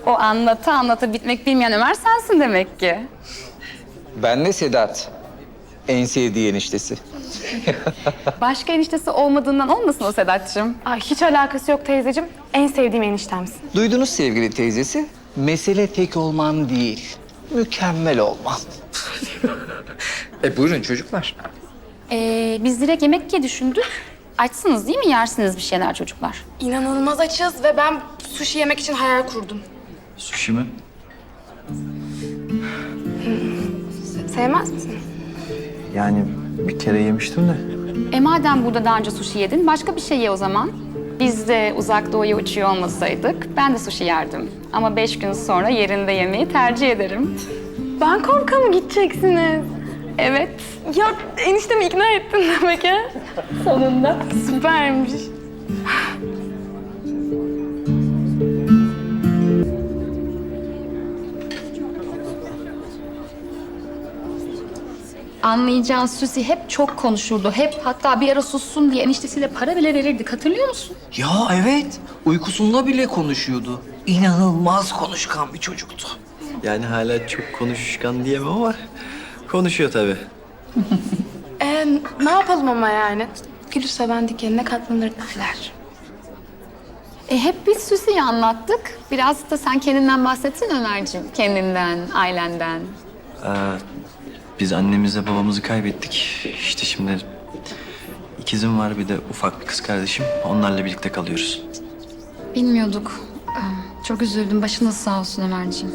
O anlata anlata bitmek bilmeyen Ömer sensin demek ki. Ben de Sedat. En sevdiği eniştesi. Başka eniştesi olmadığından olmasın o Sedat'cığım. Ay, hiç alakası yok teyzeciğim. En sevdiğim eniştemsin. Duydunuz sevgili teyzesi. Mesele tek olman değil, mükemmel olman. Buyurun çocuklar. Biz direkt yemek diye düşündük. Açsınız değil mi? Yersiniz bir şeyler çocuklar. İnanılmaz açız ve ben sushi yemek için hayal kurdum. Sushi mi? Sevmez misin? Yani bir kere yemiştim de. Madem burada daha önce sushi yedin, başka bir şey ye o zaman. Biz de uzak doğuya uçuyor olmasaydık, ben de sushi yerdim. Ama 5 gün sonra yerinde yemeyi tercih ederim. Bangkok'a mı gideceksiniz? Evet. Ya eniştemi ikna ettin demek ha? Sonunda. Süpermiş. Anlayacağın Susi hep çok konuşurdu. Hep hatta bir ara sussun diye eniştesiyle para bile verirdik. Hatırlıyor musun? Ya evet, uykusunda bile konuşuyordu. İnanılmaz konuşkan bir çocuktu. Yani hala çok konuşkan diyemem ama konuşuyor tabii. Ne yapalım ama yani? Gülü seven dikenine katlanır derler. Hep biz Susi'yi anlattık. Biraz da sen kendinden bahsetsin Ömerciğim. Kendinden, ailenden. Biz annemizle babamızı kaybettik. İşte şimdi ikizim var, bir de ufak bir kız kardeşim. Onlarla birlikte kalıyoruz. Bilmiyorduk. Çok üzüldüm. Başınız sağ olsun Ömerciğim.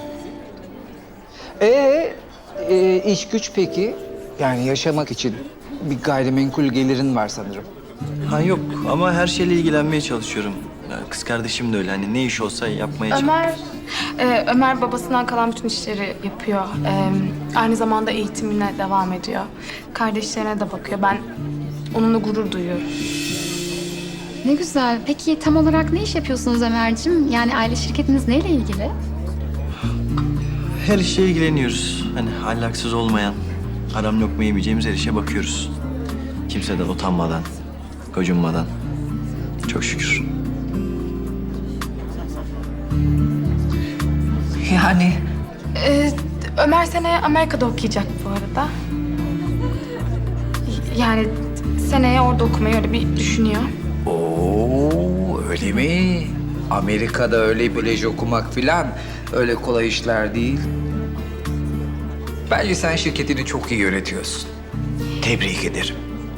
İş güç peki? Yani yaşamak için bir gayrimenkul gelirin var sanırım. Ha yok, ama her şeyle ilgilenmeye çalışıyorum. Ya, kız kardeşim de öyle. Hani ne iş olsa yapmaya çalışıyorum. Ömer babasından kalan bütün işleri yapıyor. Aynı zamanda eğitimine devam ediyor. Kardeşlerine de bakıyor. Ben onunla gurur duyuyorum. Ne güzel. Peki tam olarak ne iş yapıyorsunuz Ömerciğim? Yani aile şirketiniz neyle ilgili? Her işe ilgileniyoruz. Hani ahlaksız olmayan, haram lokma yemeyeceğimiz her işe bakıyoruz. Kimseden utanmadan, gocunmadan. Çok şükür. Yani Ömer seneye Amerika'da okuyacak bu arada. Yani seneye orada okumayı öyle bir düşünüyor. öyle mi? Amerika'da öyle bölej okumak filan öyle kolay işler değil. Bence sen şirketini çok iyi yönetiyorsun. Tebrik ederim.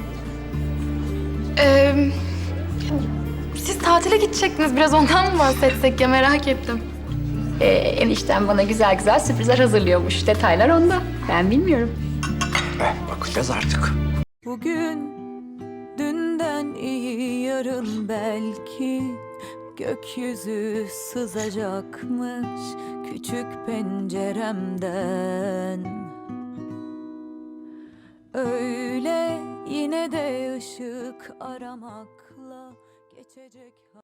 Siz tatile gidecektiniz. Biraz ondan mı bahsetsek ya, merak ettim. Enişten bana güzel güzel sürprizler hazırlıyormuş. Detaylar onda. Ben bilmiyorum. Bakacağız artık. Bugün dünden iyi, yarın belki gökyüzü sızacakmış küçük penceremden. Öyle yine de ışık aramakla geçecek.